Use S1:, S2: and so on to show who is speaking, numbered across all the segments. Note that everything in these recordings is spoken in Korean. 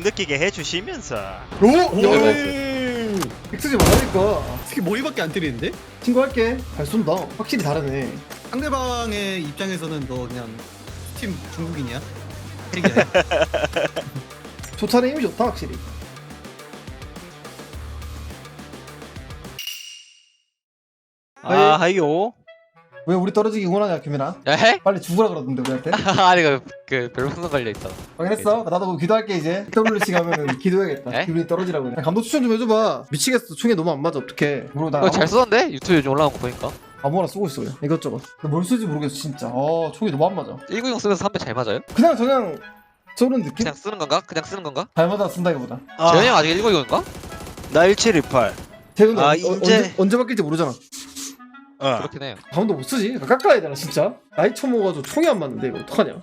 S1: 느끼게 해주시면서.
S2: 오!
S3: 오!
S2: 엑스지 말라니까.
S3: 특히 머리밖에 안 때리는데?
S2: 친구할게. 잘 쏜다. 확실히 다르네.
S3: 상대방의 입장에서는 너 그냥 팀 중국인이야? 핵이야.
S2: 조차는 힘이 좋다 확실히.
S1: 아하요.
S2: 왜 우리 떨어지기 원하냐 규민아?
S4: 에?
S2: 빨리 죽으라 그러던데 우리한테.
S4: 아니 그 별풍선 걸려있어.
S2: 확인했어? 나도 그거 기도할게 이제. WC 가면은 기도해야겠다.
S4: 에?
S2: 규민이 떨어지라고. 그냥. 감독 추천 좀 해줘봐. 미치겠어. 총이 너무 안 맞아. 어떡해. 모르고 나
S4: 잘 쓰던데? 유튜브 요즘 올라온 거 보니까
S2: 아무거나 쓰고 있어 그냥. 이것저것. 근데 뭘 쓰지 모르겠어 진짜. 총이 너무 안 맞아.
S4: 190 쓰면서 3배 잘 맞아요?
S2: 그냥 쏘는 느낌?
S4: 그냥 쓰는 건가? 그냥 쓰는 건가?
S2: 잘 맞아 쓴다기보다.
S4: 재현이 형 아직 190인가?
S1: 나 1728.
S2: 재훈이
S1: 이제-
S2: 언제 바뀔지 모르잖아.
S4: 그렇긴 해요.
S2: 감독 못 쓰지? 깎아야 되나 진짜? 나이 처먹어가지고 총이 안 맞는데 이거 어떡하냐?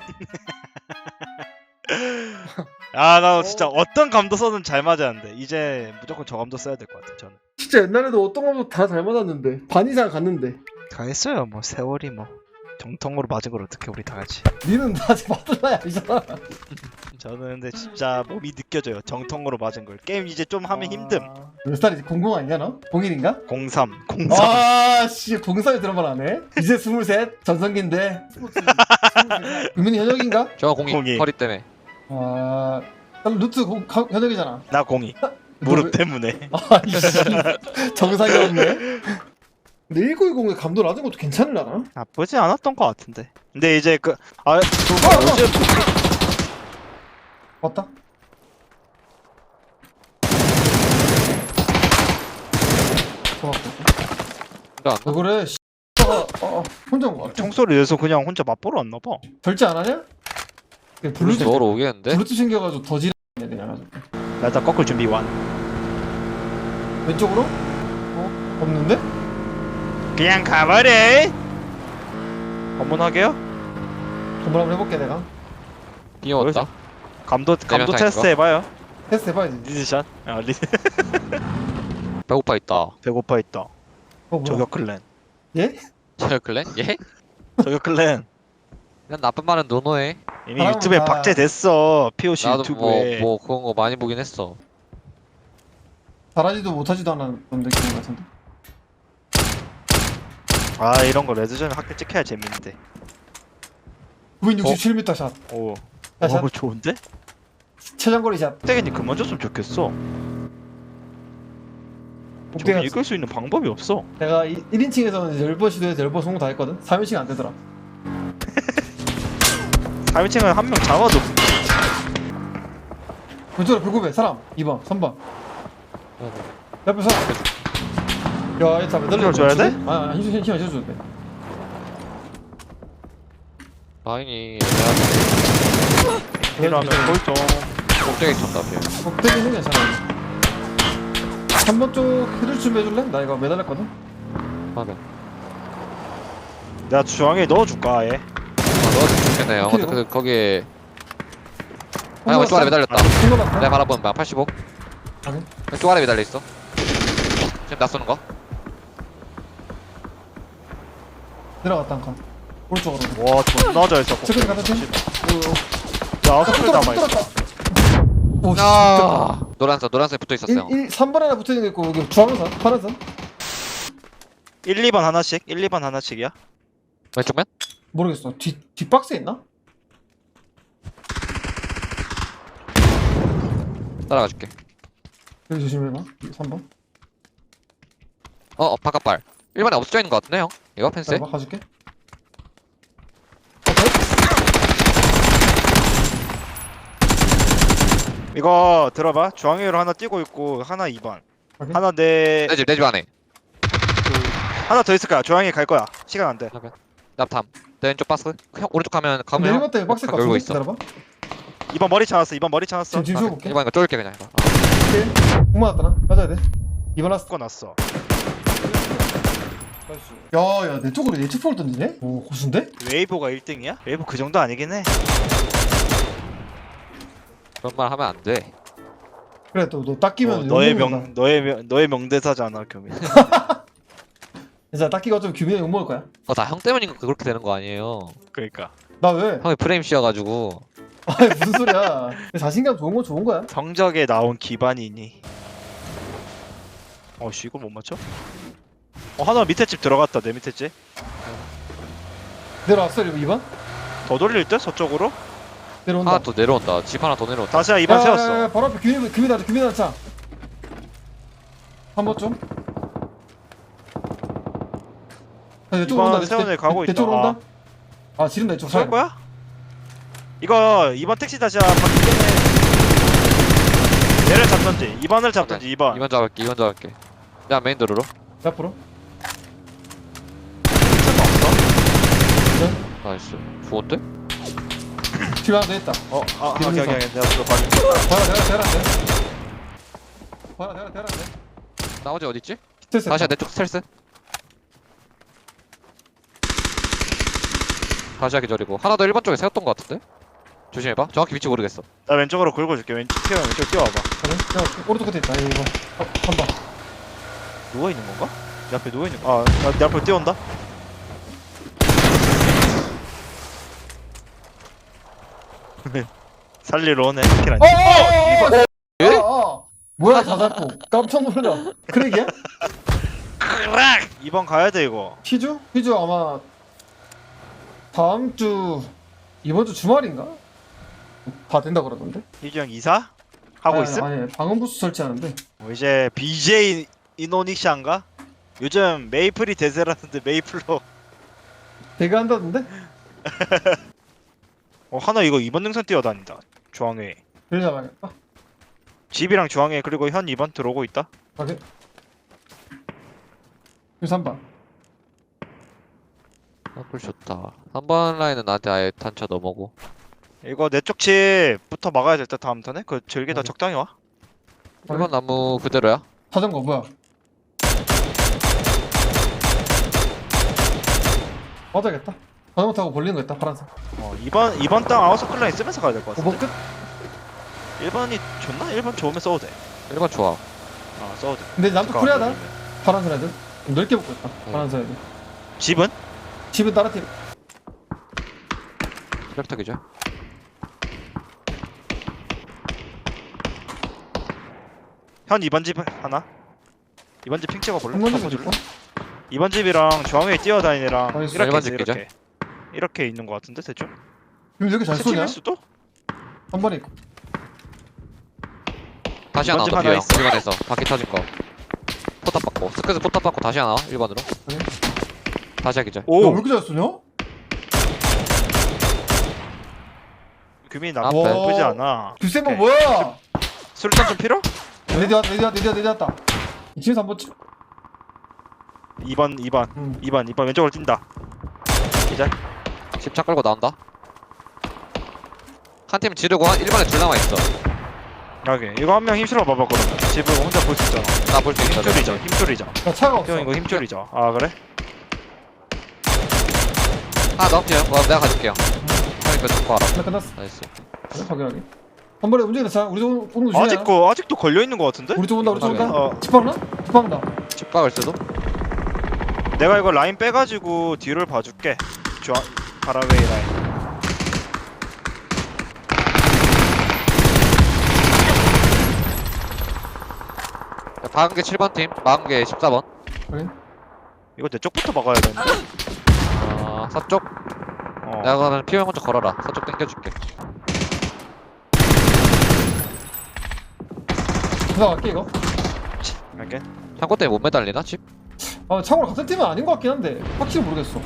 S1: 나 진짜 어떤 감도 써든 잘 맞았는데 이제 무조건 저 감도 써야 될 것 같아 저는.
S2: 진짜 옛날에도 어떤 감독 다 잘 맞았는데 반 이상 갔는데
S1: 다 했어요. 뭐 세월이 뭐 정통으로 맞은 걸 어떻게 우리 다 같이.
S2: 니는 아직 맞을 나이 아니잖아.
S1: 저는 근데 진짜 몸이 느껴져요. 정통으로 맞은 걸. 게임 이제 좀 하면 힘듦.
S2: 몇 살이지? 00 아니냐 너? 01인가?
S1: 03.
S2: 아씨 03에 들어만 하네. 이제 23 전성기인데. 유민이 현역인가?
S4: 저 공이
S1: 공이.
S4: 허리 때문에.
S2: 아 루트 현역이잖아.
S1: 나 02. 무릎 때문에.
S2: 아이씨 정상이 없네. 근데 1920에 감도 낮은 것도 괜찮으려나?
S1: 나쁘지 않았던 것 같은데. 근데 이제
S2: 요즘 맞다. 좋았고.
S4: 근데 안
S2: 왜 그래? 혼자 온거 같아.
S1: 총소리 내서 그냥 혼자 맛보러 왔나 봐.
S2: 절제 안 하냐? 그냥 블루투스
S4: 넣으러 오겠는데?
S2: 블루투스 생겨가지고 더 지르네 그냥 가지고.
S1: 나 일단 꺾을 준비 완.
S2: 왼쪽으로? 없는데?
S1: 그냥 가버려. 검문하게요?
S2: 한번 한번 해볼게 내가.
S4: 비어왔다.
S1: 감도
S4: 타임인가?
S1: 테스트 해봐요.
S2: 테스트 해봐야지.
S1: 리드샷.
S4: 배고파 있다.
S1: 배고파 있다.
S2: 뭐야?
S1: 저격 클랜.
S2: 예?
S4: 저요 클랜? 예?
S1: 저격 클랜.
S4: 그냥 나쁜 말은 노노해.
S1: 이미
S2: 아,
S1: 유튜브에
S2: 아.
S1: 박제됐어. POC
S4: 나도
S1: 유튜브에.
S4: 뭐 그런 거 많이 보긴 했어.
S2: 잘하지도 못하지도 않은 그런 느낌 같은데.
S1: 이런 거 레드존에 학교 찍혀야 재밌는데.
S2: 967m 샷.
S1: 오.
S2: 샷.
S1: 좋은데?
S2: 최장거리 샷.
S1: 땡이니 그만 줬으면 좋겠어. 저기
S2: 복대가
S1: 이길 수 있는 방법이 없어.
S2: 내가 1인칭에서는 10번 시도해서 10번 성공 다 했거든. 3인칭 안 되더라.
S1: 3인칭은 한 명 잡아도
S2: 왼쪽으로 불구배 사람 2번 3번 옆에 사람. 야 이거 다 매달려.
S1: 힘을 줘야 돼?
S2: 아니 힘 안 줘도 돼.
S4: 다행히
S1: 필요하면 골좀.
S4: 꼭대기 쳤다 비어.
S2: 복대기는 괜찮아. 3번 쪽 헤드 좀 해줄래? 나 이거 매달렸거든.
S4: 하면.
S1: 내가 중앙에 넣어줄까 아예?
S4: 넣어주면 좋겠네요. 근데 거기에 왼쪽 아래 매달렸다.
S2: 다
S4: 내가 바라보는 바 85.
S2: 확인.
S4: 왼쪽 아래 매달려 있어. 지금 나 쏘는 거?
S2: 내려갔다 한 칸. 오른쪽으로.
S1: 와 존나 잘 써.
S2: 체크인 가다 팀.
S1: 야 스킬 남아 있어.
S2: 오 씨.
S4: 아, 노란색 붙어 있었어요.
S2: 3번 하나 붙어있는 게 있고 여기 주황선 파란선.
S1: 1, 2번 하나씩. 1, 2번 하나씩이야.
S4: 왼쪽면?
S2: 모르겠어. 뒷박스에 있나?
S4: 따라가 줄게.
S2: 여기 조심해봐. 3번.
S4: 바깥발. 1번에 없어져 있는 거 같은데 형? 이거 펜스에?
S2: 봐 가줄게.
S1: 이거 들어봐. 중앙으로 하나 뛰고 있고 하나 2번.
S2: 오케이.
S1: 하나
S4: 내 집 안에.
S1: 하나 더 있을 거야. 중앙에 갈 거야. 시간 안 돼.
S4: 납탐. 내 왼쪽 박스. 형 오른쪽 가면
S2: 근데 1번 때문에 빡셀 것
S4: 열고
S2: 같은데?
S4: 있어.
S2: 기다려봐.
S1: 2번 머리 찾았어. 2번 머리 찾았어.
S2: 지금 쉬어볼게.
S4: 1번 이거 쫄게 그냥 이거.
S2: 오케이. 공 맞았다 나. 맞아야 돼. 2번 라스트.
S1: 놨어.
S2: 야야 내 쪽으로 예측폭을 던지네? 오 고수인데?
S1: 웨이브가 1등이야? 웨이브 그 정도 아니긴 해.
S4: 그런 말 하면 안 돼.
S2: 그래 또 너 닦이면
S1: 너의 명대사잖아, 교민.
S2: 진짜 닦기가 좀 규민이 욕먹을 거야.
S4: 다 형 때문인 거 그렇게 되는 거 아니에요.
S1: 그러니까.
S2: 나 왜?
S4: 형이 프레임 씌워가지고
S2: 아니 무슨 소리야. 자신감 좋은 건 좋은 거야.
S1: 성적에 나온 기반이니. 어씨 이걸 못 맞춰? 하나 밑에 집 들어갔다. 내 밑에 집.
S2: 내려왔어 2번?
S1: 더 돌릴 때 서쪽으로?
S2: 내려온다.
S4: 하나 더 내려온다. 집 하나 더 내려온다.
S1: 다시야 2번 세웠어.
S2: 바로 앞에 규민아 차. 한번 좀. 이쪽으로
S1: 이번
S2: 온다.
S1: 세원에 가고 있다.
S2: 이쪽으로 온다. 아 지른다 이쪽.
S1: 쏠 거야? 이거 2번 택시 다시야 바퀴 때문에 얘를 잡던지 2번을 잡던지 2번
S4: 2번 잡을게. 2번 잡을게. 야 메인 도로로.
S2: 앞으로.
S1: 택시가 없어?
S4: 나이스. 좋은데?
S2: 뒤에 하나 더 있다.
S1: 오케이 내가 그거 봐줄게.
S2: 대라.
S4: 나머지 어디 있지?
S2: 스트레스.
S4: 다시야 내 쪽 스텔스. 다시야 기절이고 하나 더 1번 쪽에 세웠던 것 같은데? 조심해봐. 정확히 위치 모르겠어.
S1: 나 왼쪽으로 긁어줄게. 왼쪽 뛰어와봐.
S2: 그래? 야 오른쪽 끝에 있다. 이거. 한 번.
S1: 누워있는 건가? 내 앞에 누워있는 거. 내 앞으로 뛰어온다. 살리러 오네. 킬 아니야?
S4: 예?
S2: 뭐야 다 잡고 깜짝 놀라. 크랙이야?
S1: 2번 가야 돼 이거.
S2: 휘주 아마 다음 주 이번 주 주말인가? 다 된다 그러던데.
S1: 희규형 이사? 하고 있음?
S2: 아니 방음 부스 설치하는데.
S1: 이제 BJ 이노닉샤인가? 요즘 메이플이 대세라는데 메이플로
S2: 배가 한다던데?
S1: 하나 이거 2번 능선 뛰어다닌다. 중앙에
S2: 그래 잡아야겠다.
S1: 집이랑 중앙에 그리고 현 2번 들어오고 있다.
S2: 오케이. 3번.
S4: 꿀 좋다. 3번 라인은 나한테 아예 단차 넘어고.
S1: 이거 내 쪽 집부터 막아야 될 듯 다음 턴에? 그 절기다 적당히 와.
S4: 1번 나무 그대로야.
S2: 자전거 뭐야? 맞아야겠다. 자전거 타고 벌리는 거 있다 파란색.
S1: 2번 땅 아웃서클 라인 쓰면서 가야 될 것 같아.
S2: 5번 끝?
S1: 1번이 좋나? 1번 좋으면 써도 돼.
S4: 1번 좋아.
S1: 써도 돼.
S2: 근데 남쪽
S1: 잠깐
S2: 코리아다.
S1: 안 되면.
S2: 파란색 애들. 좀 넓게 붙고 있다. 파란색 애들.
S1: 집은?
S2: 집은 다른 팀.
S4: 트랙터 기절.
S1: 현 2번 집 하나? 2번 집 핑 찍어볼래?
S2: 한번
S1: 한번
S2: 좀
S1: 줄래?
S2: 줄까?
S1: 2번 집이랑 중앙에 뛰어다니는 애랑
S2: 알겠어.
S1: 이렇게
S4: 1번
S1: 있어,
S4: 집 기절?
S1: 이렇게 있는 것 같은데 대충?
S2: 그럼 여기 잘 쏘냐?
S1: 팀일 수도?
S2: 한 번에 있고.
S4: 다시 하나
S1: 2번 집
S4: 더
S1: 하나
S4: 비어.
S1: 있어.
S4: 1번에서 바퀴 터진 거. 포탑 받고. 스크에서 포탑 받고 다시 하나 1번으로.
S2: 그래?
S4: 다시야 기절.
S2: 야, 왜
S1: 오!
S2: 이렇게 잘 쏘냐?
S1: 규민이
S4: 아,
S1: 나쁘지
S2: 와.
S1: 않아.
S2: 듀세버
S1: 오케이.
S2: 뭐야?
S1: 수류탄 좀 필요?
S2: 레디 왔다. 2층에서 한번 찍.
S1: 2번 2번 왼쪽으로 뛴다. 기절.
S4: 집차 끌고 나온다. 한 팀 지르고 1번에 둘 남아있어.
S1: 여기 이거 한 명 힘실어 봐봐 그러면. 집을 혼자 볼 수 있잖아.
S4: 나 볼 수 있어.
S1: 힘줄이죠.
S2: 야 차가 없어.
S1: 형 이거 힘줄이죠. 아 그래?
S4: 하나 더 비어. 내가 가줄게요. 형이 그 잡고 와라.
S2: 나 끝났어.
S4: 나이스.
S2: 확인하게. 한 번에 움직이다 차. 우리 쪽 오는 거 조심해.
S1: 아직도 걸려 있는 것 같은데?
S2: 우리 쪽 온다. 우리 쪽 온다.
S1: 어.
S2: 집 박나? 집 박나.
S4: 집 박을 수도?
S1: 내가 이거 라인 빼가지고 뒤를 봐줄게. 바라웨이 라인.
S4: 박은 게 7번 팀, 막은 게 14번.
S2: 그래?
S1: 이거 내 쪽부터 막아야 되는데?
S4: 서쪽. 내가 그러면 피면 먼저 걸어라. 서쪽 당겨줄게.
S2: 들어갈게 이거.
S1: 갈게.
S4: 창고 때문에 못 매달리나 집?
S2: 참고로 같은 팀은 아닌 것 같긴 한데 확실히 모르겠어.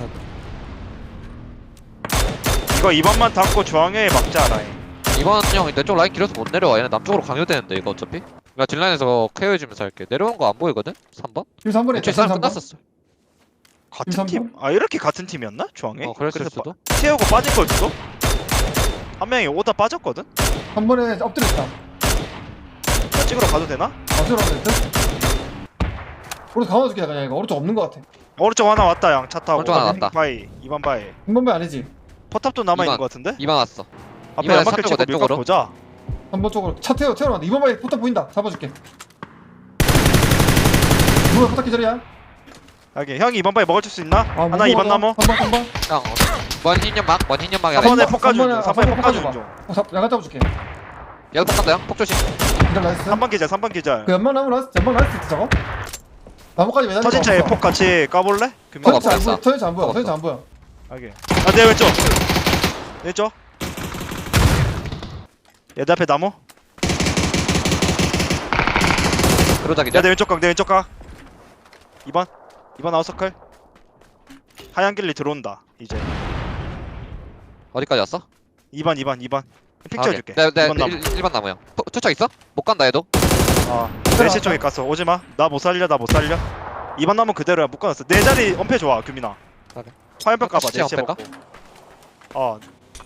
S1: 이거 2번만 닫고 중앙에 막자 라인.
S4: 이번 형 내 쪽 라인 길어서 못 내려와. 얘는 남쪽으로 강요되는데 이거 어차피. 나 딜라인에서 케어해주면서 할게. 내려온 거 안 보이거든? 3번?
S2: 지금 3번에
S4: 애초에 싸움 끝났었어.
S1: 같은
S2: 3번?
S1: 팀? 이렇게 같은 팀이었나? 중앙에?
S4: 그랬을
S1: 그래서
S4: 수도.
S1: 채우고 빠진 걸 수도? 한 명이 오다 빠졌거든?
S2: 3번에 엎드려 있다.
S1: 나 찍으러 가도 되나?
S2: 어쩌라고 했대? 오른쪽 감아줄게 그냥 이거. 오른쪽 없는 것 같아.
S1: 오른쪽 하나 왔다 양 차 타고.
S4: 오른쪽 하나 왔다.
S1: 바이 2번 바이.
S2: 3번 배 아니지?
S1: 포탑도 남아있는
S4: 2번.
S1: 것 같은데?
S4: 2번 왔어.
S1: 앞에
S4: 이번에
S1: 연막길 치고
S4: 내
S1: 밀까
S4: 쪽으로.
S1: 보자.
S2: 3번 쪽으로 차 태워놨는데 2번 바에 포탑 보인다. 잡아줄게. 2번 포탑 기절이야.
S1: 여기 형이 2번 바이 먹을 수 있나? 하나
S2: 먹고
S1: 2번
S2: 가자.
S1: 나무.
S2: 3번
S4: 형 원 흰연막 하나
S1: 3번에
S4: 있어.
S1: 폭가 중.
S2: 3번에
S1: 3번에 폭가 중.
S2: 야간 잡아줄게.
S4: 얘도 폭 간다 형폭 조심.
S2: 기절 나이스.
S1: 3번 기절 3번 기절.
S2: 그 연막 나무 나이스 저거. 나무까지 매달려.
S1: 터진 차에 폭 같이 까볼래? 금방
S4: 없어, 없어.
S2: 터진 안 보여.
S4: 없어.
S2: 터진 안 보여.
S1: 하게. 아내 왼쪽. 왼쪽. 얘 내 앞에 나무.
S4: 그러자
S1: 야
S4: 기자.
S1: 내 왼쪽 각 내 왼쪽 각. 2번 아웃서클. 하얀 길리 들어온다 이제.
S4: 어디까지 왔어?
S1: 2번 픽 찍어줄게.
S4: 네
S1: 2번 나무.
S4: 1번 나무 형. 투척 있어? 못 간다 얘도.
S1: 아 4시 쪽에 갔어. 오지마. 나 못 살려 2번 나무 그대로야. 못 끊었어. 내 자리 엄폐 좋아 규민아.
S4: 그래.
S1: 화염병 까봐.
S4: 시체
S1: 4시에
S4: 엄폐
S1: 먹고.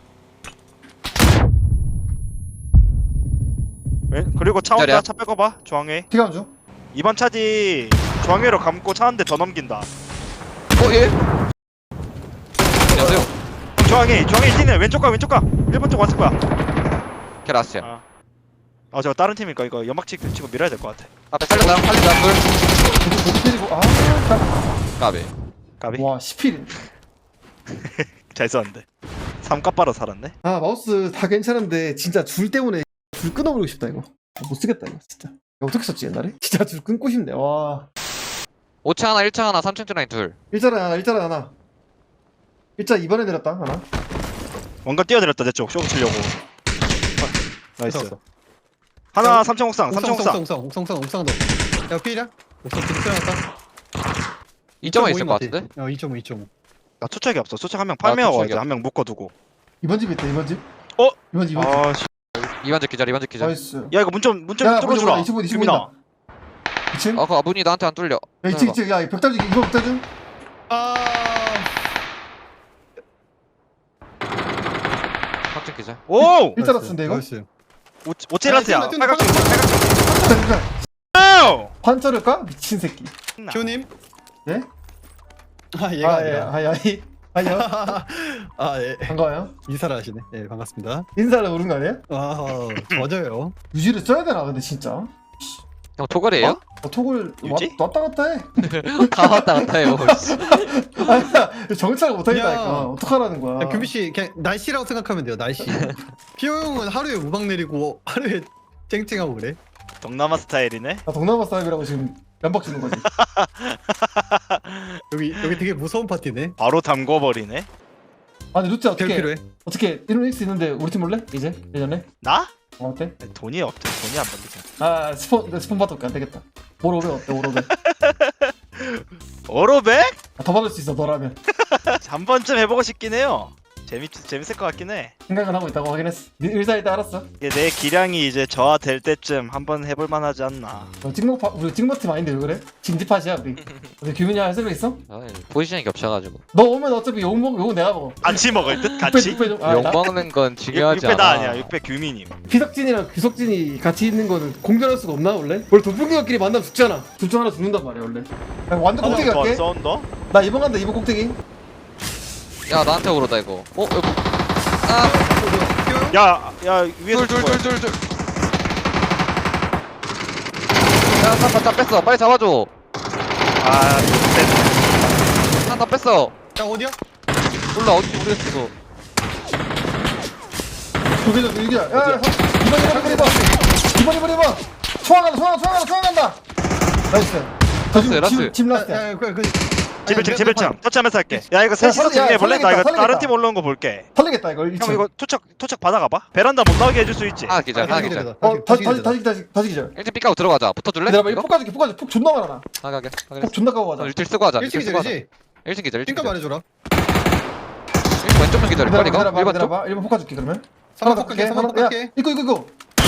S1: 그리고 차 온다.
S4: 기다려.
S1: 차 빼고 봐. 중앙에.
S2: 피감 중.
S1: 2번 차지 중앙회로 감고 차 한 대 더 넘긴다.
S4: 예? 안녕하세요.
S1: 중앙에 뛰네. 왼쪽 가 1번 쪽 왔을 거야.
S4: 캐라스야.
S1: 저거 다른 팀이니까 이거 연막 치고 밀어야 될 것 같아.
S4: 앞에 살렸다 둘.
S2: 고기 때리고
S4: 까비.
S1: 까비.
S2: 와 10필.
S1: 잘 썼는데. 3값바로 살았네.
S2: 아 마우스 다 괜찮은데 진짜 줄 때문에 줄 끊어버리고 싶다 이거. 못 쓰겠다 이거 진짜. 이거 어떻게 썼지 옛날에? 진짜 줄 끊고 싶네. 와.
S4: 5층 하나 1층 하나 3층 라인 둘.
S2: 일자리 하나. 일자 2번에 내렸다 하나.
S1: 뭔가 뛰어들었다 내 쪽. 쇼 치려고. 나이스.
S3: 됐어.
S1: 하나 3층 옥상.
S3: 옥상도. 야 피이야? 옥상 피이 끊어놨다.
S4: 2.5 있을 것 같은데?
S3: 2.5.
S1: 나 투척이 없어. 투척 한 명 팔매어
S4: 투척이
S1: 와야지. 한 명 묶어두고.
S2: 2번 집 있다 2번 집.
S1: 어?
S2: 2번 집.
S1: 아씨.
S4: 2반적 기절.
S2: 나이스.
S1: 야 이거 문 좀
S2: 야,
S1: 뚫어주라.
S2: 25
S1: 규민아.
S2: 2층.
S4: 그 문이 나한테 안 뚫려.
S2: 야 2층. 야 벽다지 이거 벽다지.
S3: 아
S4: 3층 기절.
S1: 오!
S2: 일자로 쓴데 이거.
S3: 나이스.
S1: 오체라트야.
S3: 뛰어나,
S1: 빨갛게.
S2: 벽다지.
S1: 빨갛게.
S2: 판처를까? 미친 새끼.
S3: 교님.
S2: 예?
S3: 아 얘가 아니라.
S2: 아니요.
S3: 아 예.
S2: 반가워요.
S3: 인사를 하시네. 예 반갑습니다.
S2: 인사를 모르는 거 아니야?
S3: 아 맞아요.
S2: 유지를 써야 되나 근데 진짜.
S4: 형 토글이에요?
S2: 톡을
S1: 유지?
S2: 왔다 갔다 해.
S4: 다 왔다 갔다 해요.
S2: 아니야 정찰을 못 하겠다니까.
S3: 야.
S2: 어떡하라는 거야.
S3: 야, 규비 씨 그냥 날씨라고 생각하면 돼요. 날씨. 피오 형은 하루에 우박 내리고 하루에 쨍쨍하고 그래.
S1: 동남아 스타일이네.
S2: 나 동남아 사람이라고 지금 면박 주는 거지.
S3: 여기 되게 무서운 파티네.
S1: 바로 담궈버리네.
S2: 아니 루트
S3: 제일
S2: 어떻게
S3: 필요해.
S2: 어떻게 1ix 있는데 우리 팀 몰래? 이제 예전에?
S1: 나?
S2: 어때?
S1: 돈이 없대. 돈이 안 벌리잖아.
S2: 아 스폰 받을게 안 되겠다. 오로베 어때 오로베?
S1: 오로백?
S2: 더 받을 수 있어 너라면.
S1: 한 번쯤 해보고 싶긴 해요. 재밌을 것 같긴 해.
S2: 생각은 하고 있다고 확인했어. 네 의사일 때 알았어.
S1: 이게 내 기량이 이제 저하될 때쯤 한번 해볼 만하지 않나.
S2: 우리 찍먹팀 아닌데 왜 그래? 진지팟이야 우리. 우리 규민이 할 생각 있어?
S4: 포지션이 겹쳐가지고.
S2: 너 오면 어차피 욕 내가 먹어.
S1: 같이 먹을 듯 같이.
S4: 욕 먹는 건 중요하지
S1: 6배 나
S4: 않아.
S1: 아니야. 6배 규민님.
S2: 피석진이랑 규석진이 같이 있는 거는 공존할 수가 없나 원래? 원래 도둑이끼리 만나면 죽잖아. 둘 중 하나 죽는단 말이야 원래. 야, 완전 꼭대기 갈게.
S1: 썬더?
S2: 나 2번 간다 2번 꼭대기.
S4: 야 나한테 오르다 이거. 여기. 아
S1: 야 위에서 죽어요.
S4: 둘. 야다 뺐어. 빨리 잡아줘.
S1: 아 이거
S4: 다 뺐어.
S3: 야 어디야?
S4: 몰라 어딘지 모르겠어 이거.
S2: 저기서 여기야. 야 2번. 소환 간다. 나이스.
S4: 라스.
S2: 팀 라스트.
S1: 제별창 터치하면서 할게. 야 이거 셋이서
S2: 야,
S1: 정리해볼래? 나 이거
S2: 설레겠다.
S1: 다른 팀 올라온 거 볼게.
S2: 털리겠다 이거.
S1: 형 이거 토착 받아가봐. 베란다 못 나오게 해줄 수 있지?
S4: 하나 기절. 하나 기절.
S2: 다시 기절.
S4: 1팀 삐까고 들어가자. 붙어줄래?
S2: 내가 이거 폭 가줄게. 폭 존나 많아 나.
S4: 가게.
S2: 폭 존나 까고 가자.
S4: 1딜 쓰고 하자.
S3: 1층 기절이지?
S4: 1층 기절. 1층
S3: 핑크
S4: 기절.
S3: 말해줘라.
S4: 1층 왼쪽 면 기절. 빨리 가. 1번 쪽.
S2: 기다려봐. 1번 폭 가줄게 그러면.
S3: 하나 더 갈게. 하나 더 갈게.
S2: 이거.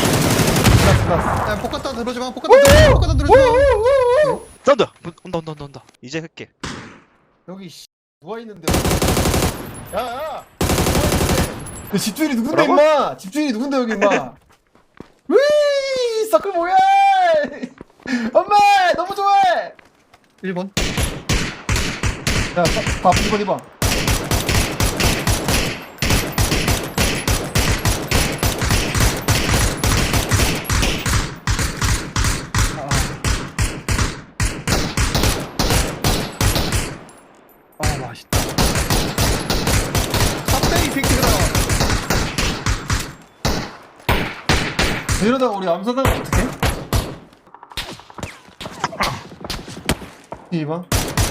S3: 야 포카타 들어주마. 포카타 들어주마.
S1: 썬더! 온다. 이제 흑게.
S2: 여기 누워 있는데. 야. 집주인이 누군데
S1: 뭐라고?
S2: 임마? 집주인이 누군데 여기 임마? 위 서클 뭐야? 엄마 너무 좋아해.
S3: 1번.
S2: 야, 2번.
S3: 아 맛있다.
S2: 이러다가 우리 암사당하면 어떡해? 이봐.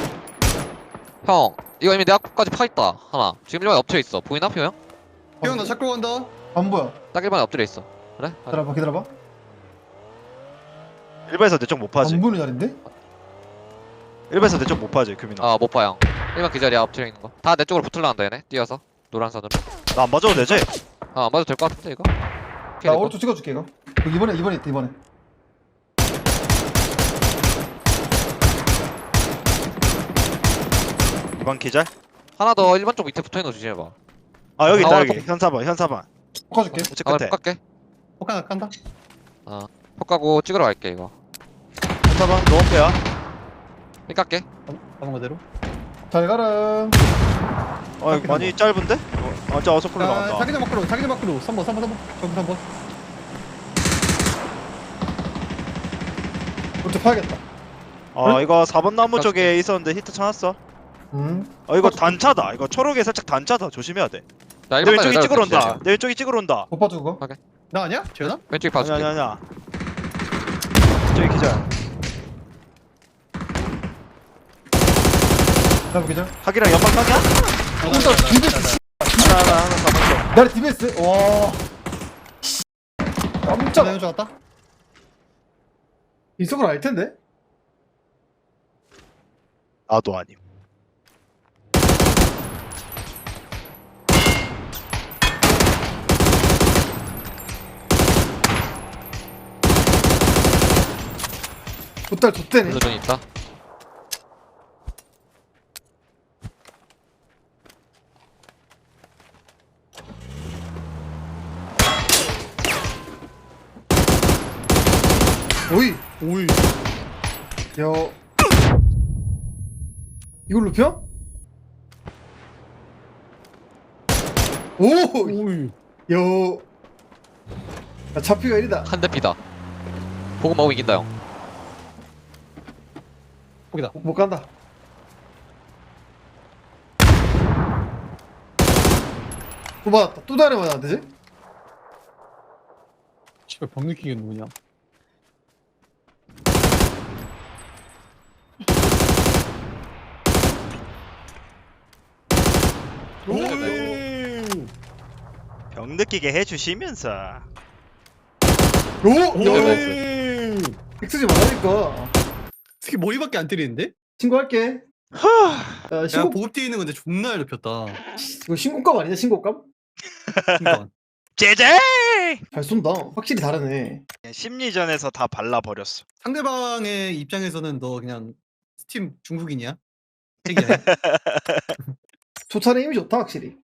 S4: 형 이거 이미 내 앞까지 파있다 하나. 지금 1번에 엎드려 있어. 보이나 피오 형?
S3: 피오 형나 찾고 간다.
S2: 안 보여.
S4: 딱 1번에 엎드려 있어. 그래?
S2: 기다려봐.
S1: 1번에서 내 쪽 못 파지.
S2: 안 보이는 자리인데?
S1: 1번에서 내 쪽 못 파지 규민아.
S4: 아 못 봐 형. 1번 기절이야 엎드려 있는 거. 다 내 쪽으로 붙을라 한다 얘네. 뛰어서 노란 선으로.
S1: 나 안 봐줘도 되지?
S4: 안 봐도 될 것 같은데 이거?
S2: 나 오른쪽 찍어줄게 이거. 이번에 있다 이번에.
S1: 이번 기절?
S4: 하나 더 1번 쪽 밑에 붙어있는 거 조심해봐.
S1: 아 여기 있다
S4: 아,
S1: 여기. 현사반.
S2: 꺾어줄게.
S1: 우측
S4: 아
S1: 끝에.
S4: 폭 갈게.
S3: 폭 하나 깐다.
S4: 폭 가고 찍으러 갈게 이거.
S1: 현사반 노원패야.
S4: 삐 깎게.
S3: 가는 거대로.
S2: 잘 가라.
S1: 아 많이 짧은데? 진짜 어서클로
S3: 자,
S1: 나간다.
S3: 자기장 밖으로 3번 전부 3번.
S2: 어떻게 파야겠다.
S1: 아 이거 4번 나무 쪽에 있었는데 히트 쳐놨어. 이거 단차다. 이거 초록에 살짝 단차다. 조심해야 돼.
S4: 나
S1: 내
S4: 1번까지
S1: 왼쪽이 찍으러 온다. 내 왼쪽이 찍으러 온다.
S2: 못 봐줘 그거.
S3: 나 아니야? 재현아?
S4: 왼쪽에
S1: 아니
S4: 봐줄게.
S1: 아니야. 저기 기절.
S2: 나 기절.
S1: 학이랑 연막방이야?
S2: 일단 DBS.
S1: 하나 잡았어.
S2: 나를 DBS. 와. 깜짝.
S3: 나 연주 왔다.
S2: 이쪽은 알 텐데.
S1: 나도 아님.
S2: 보딸 좆대네.
S4: 블루존 있다.
S2: 오이.
S3: 오이.
S2: 여. 이걸로 펴? 오.
S3: 오이.
S2: 여. 야, 잡히가 1이다.
S4: 한 대 피다. 보고 먹으면 이긴다 형.
S3: 폭이다.
S2: 못 간다. 또 맞았다. 또 다른 맞안 되지?
S3: 씨발 범 느끼게 누구냐?
S1: 병 느끼게 해주시면서.
S2: 오.
S4: 오!
S2: 엑스지 말라니까.
S3: 특히 머리밖에 안 때리는데?
S2: 신고할게. 야,
S3: 야
S2: 신고
S3: 보급 뒤에 있는 건데 존나 높였다.
S2: 이거 신고감 아니냐? 신고감?
S3: 그러니까.
S1: 제제!
S2: 잘 쏜다. 확실히 다르네.
S1: 심리전에서 다 발라버렸어.
S3: 상대방의 입장에서는 너 그냥 스팀 중국인이야? 핵이야.
S2: 조찬의 힘이 좋다 확실히.